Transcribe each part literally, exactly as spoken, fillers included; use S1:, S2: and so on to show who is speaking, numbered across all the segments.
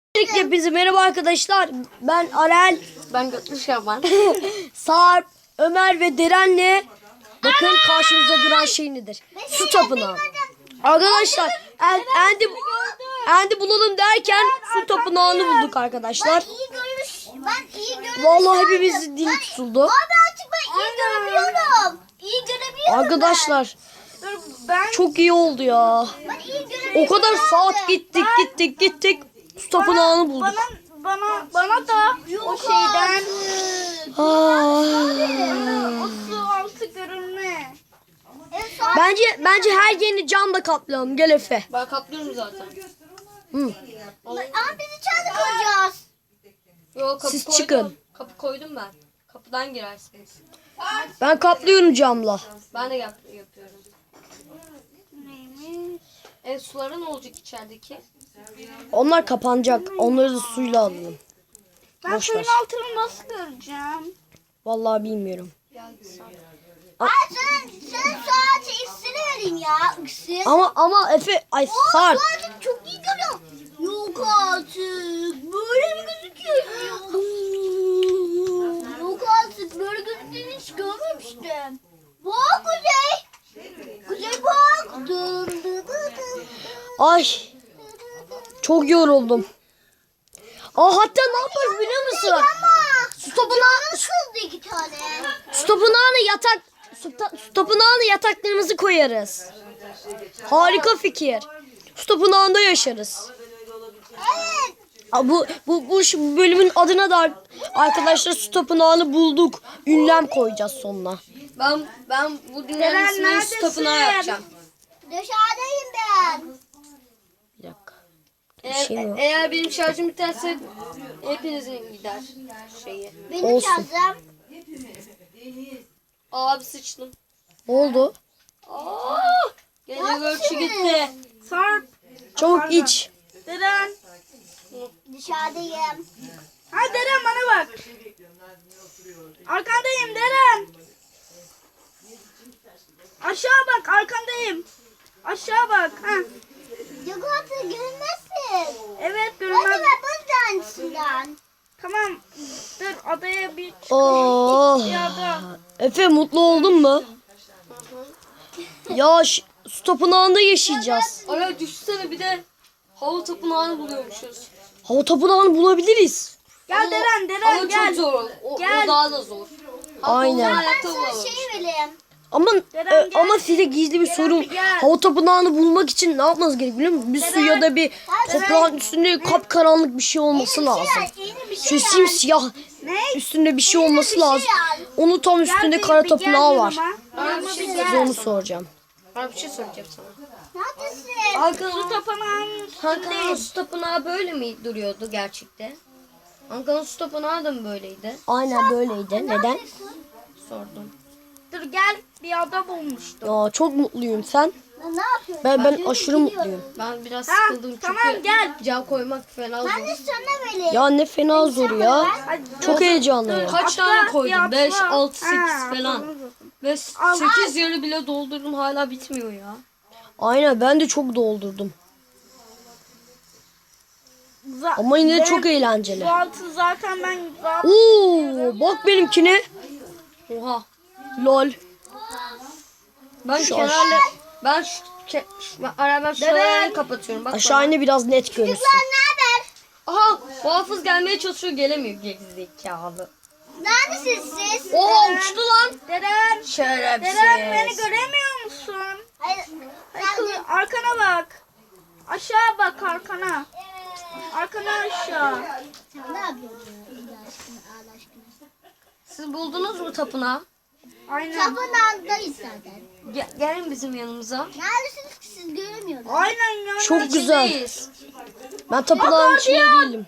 S1: Öncelikle hepinize merhaba arkadaşlar. Ben Arel,
S2: Ben Götlü Şaban.
S1: Sarp, Ömer ve Deren'le bakın karşımızda duran şey nedir? Su tapınağı. Arkadaşlar en, endi, endi bulalım derken su tapınağını bulduk arkadaşlar.
S3: Ben iyi görmüş. Ben iyi görmüş.
S1: Vallahi hepimizin dili tutuldu.
S3: Abi artık ben iyi görebiliyorum. İyi görebiliyorum
S1: Arkadaşlar
S3: ben.
S1: çok iyi oldu ya.
S3: Ben iyi görebiliyorum.
S1: O kadar saat gittik gittik gittik. Su tapınağını bulduk.
S3: Bana bana bana da o şeyden
S1: Ah.
S3: o su altı görünme.
S1: Bence bence her yerini camla kaplayalım. Gel Efe.
S2: Ben kaplıyorum zaten.
S1: Hı.
S3: Ama biz içeride kalacağız.
S2: Yo, kapı
S1: Siz
S2: koydum.
S1: çıkın.
S2: Kapı koydum ben. Kapıdan girersiniz.
S1: Ben kaplıyorum camla.
S2: Ben de yap yapıyorum.
S3: Neymiş?
S2: E suları ne olacak içerideki?
S1: Onlar kapanacak. Onları da suyla alalım.
S3: Ben
S1: Boş
S3: suyun
S1: ver.
S3: altını nasıl göreceğim?
S1: Vallahi bilmiyorum.
S2: Geldi sana.
S3: Ay sen sen saate iksiri vereyim ya. İksir.
S1: Ama ama Efe ay
S3: O
S1: Sarp.
S3: saate çok iyi görüyorum. Yok artık. Böyle mi gözüküyor? Yok artık. Böyle gözüktüğünü hiç görmemiştim. Bak Kuzey. Kuzey bak. Dım dı dı dı.
S1: Ay çok yoruldum. Aa hatta ne yaparız biliyor musun?
S3: Ama
S1: Su tapınağı,
S3: nasıldı iki tane?
S1: su tapınağına yatak su, ta, su tapınağına yataklarımızı koyarız. Harika fikir. Su tapınağında yaşarız.
S3: Evet.
S1: Aa, bu bu bu şu bölümün adına da arkadaşlar su tapınağını bulduk. Ünlem koyacağız sonuna.
S2: Ben ben bu dünyanın
S3: Deren,
S2: ismini su
S3: neredesin?
S2: tapınağı yapacağım.
S3: Dışarıdayım ben.
S1: Bir dakika.
S2: Eğer,
S1: şey mi var?
S2: eğer benim şarjım biterse hepinizin gider şeyi.
S3: Benim
S1: Olsun.
S3: şarjım.
S2: Abi sıçtım.
S1: Ne oldu?
S2: Aa! Gene görüşü gitti.
S3: Sarp.
S1: Çabuk iç.
S3: Deren. Dışarıdayım.
S4: Ha Deren bana bak. Arkandayım Deren. Aşağı bak arkandayım. Aşağı bak. Ha.
S3: Yok artık görünmezsin.
S4: Evet
S3: Hadi
S4: görünmez.
S3: ben bu tanesinden.
S4: Tamam. Dur adaya bir
S1: Oh.
S4: ada.
S1: Efe mutlu oldun mu? Ya ş- su tapınağında yaşayacağız.
S2: Ara düşünsene bir de hava tapınağını buluyormuşuz.
S1: Hava tapınağını bulabiliriz.
S4: Gel Deren Deren
S2: Ama
S4: gel.
S2: çok zor. O,
S4: Gel.
S2: o daha da zor. Hatta
S1: Aynen.
S2: onu
S3: Ben
S2: hayatta
S3: sana
S2: bulamamış.
S3: şey vereyim.
S1: Ama
S4: Deren
S1: e,
S4: gel.
S1: ama size gizli bir sorum.
S4: bir gel.
S1: Hava tapınağını bulmak için ne yapmanız gerek biliyor musunuz? Bir su ya da bir toprağın üstünde kapkaranlık bir şey olması lazım.
S3: Yeni bir şey
S1: Şu simsiyah
S4: Ne?
S1: üstünde bir şey olması
S3: şey
S1: lazım.
S3: al.
S1: Onu tam üstünde
S4: bir-
S1: kara
S4: bir
S1: tapınağı
S4: gel
S1: var.
S4: yanıma.
S2: Bana bir şey
S1: Size
S2: söyleyeceğim.
S1: onu soracağım.
S2: Bana bir şey söyleyeceğim sana.
S3: Neredesin?
S2: Ankara'nın
S4: Tapınağın
S2: Ankara'nın su tapınağı böyle mi duruyordu gerçekte? Ankara'nın su tapınağı da mı böyleydi?
S1: Aynen böyleydi. Neden?
S2: Sordum.
S4: Dur gel bir ada bulmuştum.
S1: Ya çok mutluyum sen.
S3: Ben ne yapıyorum?
S1: Ben ben aşırı mutluyum.
S2: Ben biraz
S4: Ha,
S2: sıkıldım çünkü
S4: tamam, gel.
S2: cam koymak fena
S3: Ben de
S2: zor.
S3: sana vereyim.
S1: Ya ne fena zor ya.
S4: Hadi
S1: Çok heyecanlıyım.
S2: Kaç
S4: Atla,
S2: tane
S4: bir
S2: koydum?
S4: atla.
S2: beş, altı,
S4: Ha,
S2: sekiz falan.
S4: tamam.
S2: Ve sekiz yarı bile doldurdum hala bitmiyor ya.
S1: Aynen ben de çok doldurdum.
S4: Za-
S1: Ama yine de
S4: ben-
S1: çok eğlenceli.
S4: Bu altı zaten ben zaten
S1: Oo, bak benimkine.
S2: Oha.
S1: Lol.
S2: Ben
S1: Şu
S2: kenarla ben şu, ke, şu ben, ara ben şuraları kapatıyorum. Bak
S1: Aşağı ine biraz net görünsün.
S3: Sen ne haber?
S2: Aha, muhafız gelmeye çalışıyor gelemiyor gerizekalı.
S3: Neredesiniz siz?
S2: Oha uçtu lan.
S4: Deren,
S2: Şerefsiz.
S4: Deren beni göremiyor musun?
S3: Hayır.
S4: Ay, kız, arkana bak. Aşağı bak arkana. Arkana aşağı.
S3: Sen ne yapıyorsun? Allah aşkına, Allah aşkına.
S2: Siz buldunuz mu tapınağı?
S4: Aynen.
S3: Tapınağındayız zaten.
S2: Ge- gelin bizim yanımıza.
S3: Neredesiniz ki siz göremiyorsunuz?
S4: Aynen ya.
S1: Çok güzel.
S2: İçindeyiz.
S1: Ben tapınağın içinde değilim.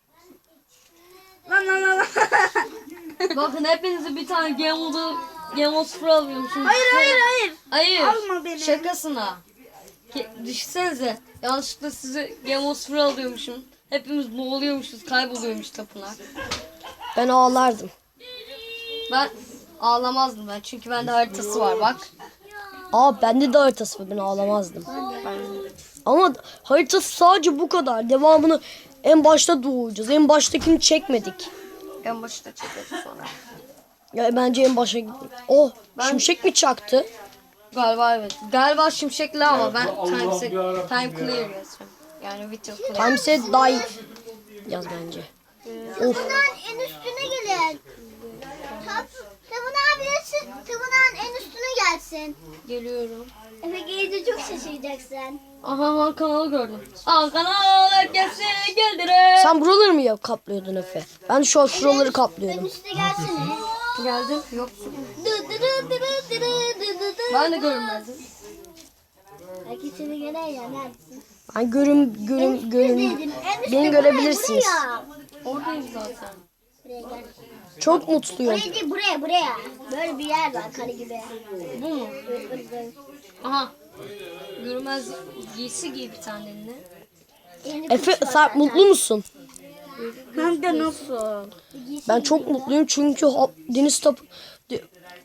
S4: Lan lan lan. lan.
S2: Bakın hepinize bir tane Game Mode'u Game Mode sıfır alıyormuşum.
S4: hayır hayır hayır.
S2: Hayır.
S4: Alma beni.
S2: Şakasına. Ke- Düşünsenize. Yanlışlıkla size Game Mode sıfır alıyormuşum. Hepimiz boğuluyormuşuz. Kayboluyormuş tapınak.
S1: Ben ağlardım.
S2: Ben ağlamazdım ben. Çünkü bende haritası var bak.
S1: Aa bende de haritası var. Ben ağlamazdım. Ama haritası sadece bu kadar. Devamını en başta doğacağız. En baştakini çekmedik.
S2: En başta çekeriz sonra.
S1: Ya bence en başa gidelim. Oh, şimşek mi çaktı?
S2: Galiba evet. Galiba şimşekli ama ben time, time clear yazıyorum. Yani video clear.
S1: Time set dive yaz bence. Of.
S3: Tapınağın en üstüne gelin. Tap, tapınağın birisi tapınağın en üstüne gelsin.
S2: Geliyorum.
S3: Efe gelince çok şaşıracaksın.
S2: Aha han kanalı gördüm. Aa kanal herkese geldiler.
S1: Sen buraları mı yap kaplıyordun Efe? Ben şu an şuraları
S3: En
S1: kaplıyorum.
S3: üstüne gelsene.
S2: Geldim. Yoksun.
S3: Dı dı dı dı dı dı dı dı dı.
S2: Ben de görünmezdim.
S3: Belki seni gören ya neredesin?
S1: Ben görüm görüm görüm.
S3: Dedim, en üstte
S1: Beni
S3: buraya,
S1: görebilirsiniz.
S3: Buraya.
S2: Oradayım zaten.
S3: Buraya gel.
S1: Çok mutluyum.
S3: Buraya değil buraya buraya. Böyle bir yer var kare gibi.
S2: Bu mu?
S3: Böyle, böyle, böyle.
S2: Aha. Görünmez giysi giy bir tane eline.
S3: Elinde
S1: Efe
S3: kuş var
S1: sen
S3: zaten.
S1: mutlu musun?
S4: Hem de nasıl?
S1: Ben çok mutluyum çünkü ha- deniz tapı de-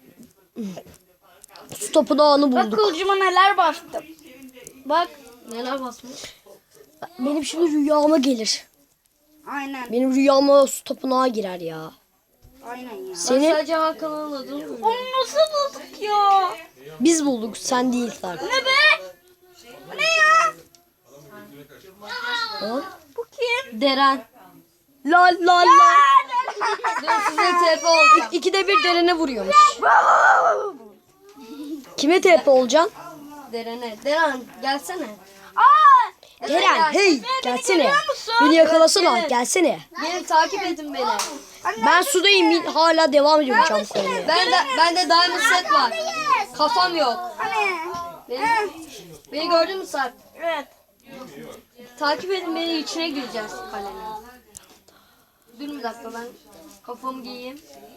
S1: su tapınağını
S4: Bak
S1: bulduk.
S4: kılıcıma neler bastım. Bak.
S2: Neler basmış?
S1: Benim şimdi rüyama gelir.
S4: Aynen.
S1: Benim rüyama su tapınağı girer ya.
S4: Aynen ya.
S2: Ben
S1: Seni
S2: sadece Hakan'ın adını biliyorum.
S4: Onu nasıl bulduk ya?
S1: biz bulduk, sen değil sen.
S4: Ne be? Bu ne ya?
S1: Ha?
S4: Bu kim?
S2: Deren.
S1: La la la.
S2: Dur size T P olacağım.
S1: İkide bir derene vuruyormuş. Kime T P olacaksın?
S2: Derene. Deren gelsene.
S4: Aa!
S1: Deren hey gelsene. Beni yakalasana gelsene.
S2: Beni takip edin beni.
S1: Ben sudayım hala devam ediyorum cam koymaya.
S2: Ben de bende diamond set var. Kafam yok.
S4: Hani?
S2: Beni, beni gördün mü Sarp?
S4: Evet.
S2: Takip edin beni, içine gireceğiz kalenin. Dur bir dakika ben kafamı giyeyim.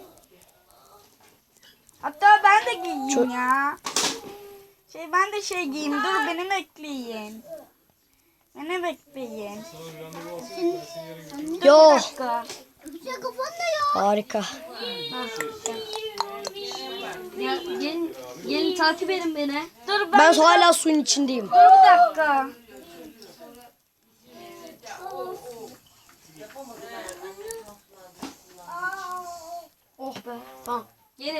S4: Hatta ben de giyeyim
S1: Çok-
S4: ya. Şey ben de şey giyeyim. Dur beni bekleyin. Beni bekleyin.
S1: Yo
S4: Bir dakika.
S3: Güzel kafan da ya.
S1: harika.
S2: Gel, gelin, gelin takip edin beni.
S4: Dur ben,
S1: Ben hala suyun içindeyim.
S4: dur bir dakika.
S2: Oh be. Tamam. Gelin.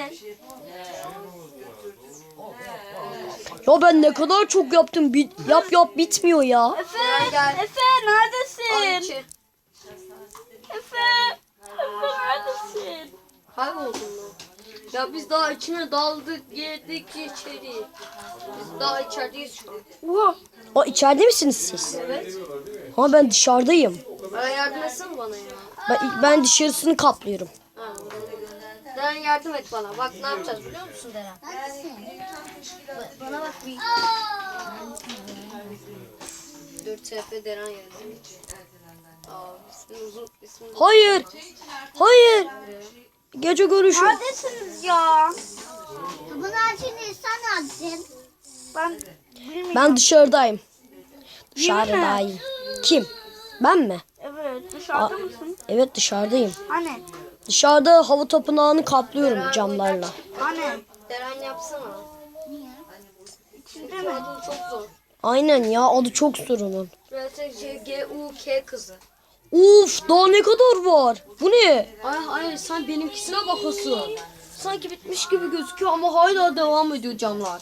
S1: Ya ben ne kadar çok yaptım. Bit, yap yap bitmiyor ya.
S4: Efe,
S2: Gel, gel.
S4: Efe
S2: Al
S4: neredesin?
S2: içi.
S4: Efe, Efe neredesin?
S2: Kayboldun mu? Ya biz daha içine daldık, girdik içeri. Biz daha içerideyiz şu an.
S4: Oha.
S1: O içeride misiniz siz?
S2: Evet.
S1: Ama ben dışarıdayım.
S2: Bana yardım etsene bana ya.
S1: Ben, ben dışarısını kaplıyorum.
S2: Ha. Deren yardım et bana. Bak ne yapacağız biliyor musun Deren?
S3: Bana bak bir.
S2: Dur T P Deren yazayım. Aa, ismin uzun, ismin uzun.
S1: Hayır. Hayır. Gece görüşü.
S4: Neredesiniz ya?
S3: Tapınağın şimdi sen neredesin?
S4: Ben bilmiyorum.
S1: Ben dışarıdayım. Dışarıdayım. Kim? Ben mi?
S4: Evet dışarıda mısın?
S1: Evet dışarıdayım.
S4: Hani?
S1: Dışarıda hava tapınağını kaplıyorum camlarla.
S4: Hani?
S2: Deren yapsana.
S4: İçinde mi?
S2: Adın çok zor.
S1: Aynen ya adı çok zor onun.
S2: R T C G U K kızı.
S1: Uf daha ne kadar var? Bu ne?
S2: Ay hayır sen benimkisine bakasın. Sanki bitmiş gibi gözüküyor ama hala devam ediyor camlar.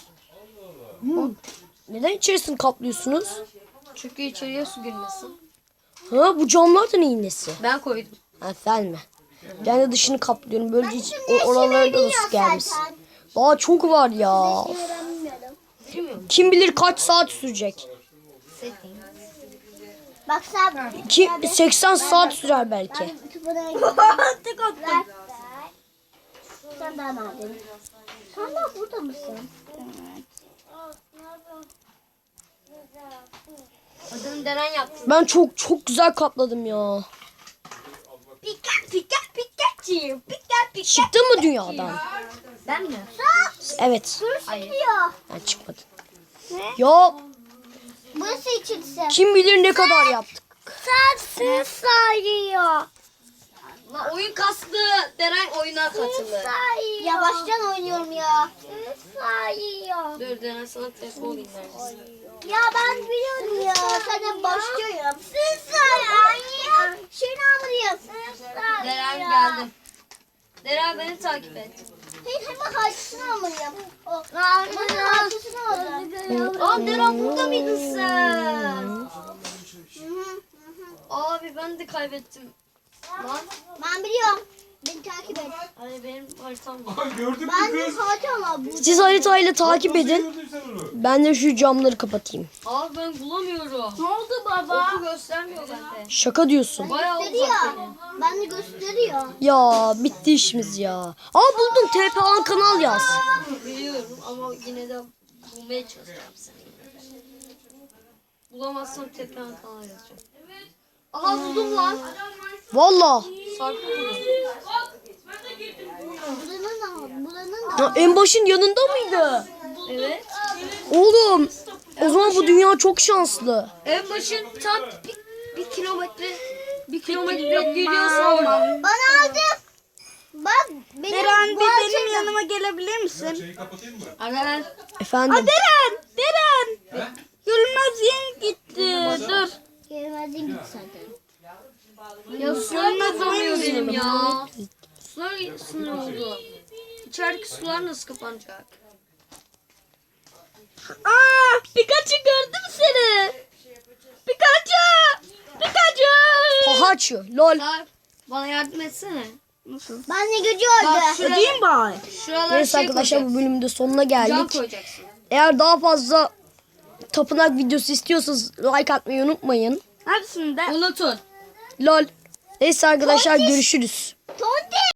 S1: Neden içerisini kaplıyorsunuz?
S2: Çünkü içeriye su girmesin.
S1: Ha bu camlar da neyin nesi?
S2: Ben koydum.
S1: Ha sen mi? Ben de dışını kaplıyorum. Böylece hiç o- oralara da su gelmesin. Daha çok var ya.
S3: Ben bilmiyorum.
S2: Bilmiyorum.
S1: Kim bilir kaç saat sürecek?
S3: Bak sen.
S1: Ki seksen saat sürer belki.
S3: Tapınağa gidiyorum.
S4: Tek attım.
S3: Ver. Sen daha neredesin? Sen daha burada mısın?
S2: Adını Deren yaptı.
S1: Ben çok çok güzel kapladım ya.
S4: Pika pika Pikachu. Pika pika.
S1: Çıktın mı dünyadan?
S2: Ben mi?
S1: Evet.
S2: Hayır.
S3: Diyor.
S1: Ben çıkmadım. Ya
S3: Burası içilse.
S1: kim bilir ne kadar yaptık.
S3: Sensiz sayıyor.
S2: La oyun kastı. Deren oyuna katıldı.
S3: Sayıyor. Yavaştan oynuyorum ya. Sayıyor.
S2: Dur Deren sana telefon olayım neredesin?
S3: Ya ben biliyorum ya. Sana başlıyorum. Sızlar ya. Şeyini almalıyım. Sızlar
S2: Deren
S3: ya.
S2: geldim. Deren beni takip et.
S3: Hayır hemen harçlısını almalıyım. O. Bana harçlısını almalıyım.
S2: Aa Deren burada mıydın sen?
S3: Hı hı.
S2: Abi ben de kaybettim. Lan.
S3: Ben biliyorum. Beni takip et.
S2: Ay benim haritam yok.
S5: Aha, gördün mü
S3: Ben de
S5: kız?
S3: harita ama bu.
S1: Siz haritayla takip
S5: Nasıl
S1: edin.
S5: gördün sen onu?
S1: Ben de şu camları kapatayım.
S2: Abi ben bulamıyorum.
S4: Ne oldu baba?
S2: Oku göstermiyor bende.
S1: Şaka diyorsun.
S2: Bayağı uzak
S3: Gösteriyor.
S2: benim.
S3: Ben de gösteriyor.
S1: Ya bitti işimiz ya. Aa buldum, T P A kanal yaz.
S2: Biliyorum ama yine de bulmaya çalışacağım seni. Bulamazsam tekrar kanal yazacağım. Aha buldum lan.
S1: Valla.
S2: Sarp buldum.
S3: Buranın da buranın da.
S1: Ya en başın yanında mıydı?
S2: Evet.
S1: Oğlum o zaman bu dünya çok şanslı.
S2: En başın tam bir, bir kilometre bir kilometre gidiyorsa orada.
S3: Bana aldı. Bak benim
S4: Deren bir
S3: bu
S4: benim
S3: açıda-
S4: yanıma gelebilir misin?
S5: Şeyi kapatayım mı?
S2: Aren.
S1: Efendim.
S4: Deren! Deren! Yılmaz yeni gitti. Dur.
S3: Gelmedin git zaten.
S2: Ya sular da donuyor benim ya. Sular sınır oldu. İçerideki sular nasıl kapanacak?
S4: Aa, Pikachu gördüm seni. Pikachu! Pikachu!
S1: Pahaçı. Lol.
S2: Sarp bana yardım etsene.
S3: Ben de gücü
S2: Bak
S3: öldü.
S2: şuraya,
S4: Ödeyeyim bari.
S2: şuralara
S1: Neyse
S2: şey
S1: arkadaşlar bu
S2: koyacaksın.
S1: bölümün de sonuna
S2: Cam
S1: geldik.
S2: koyacaksın.
S1: Eğer daha fazla tapınak videosu istiyorsanız like atmayı unutmayın.
S4: Neredesin de?
S2: Unutun.
S1: Lol. Neyse arkadaşlar görüşürüz.
S3: Tonti.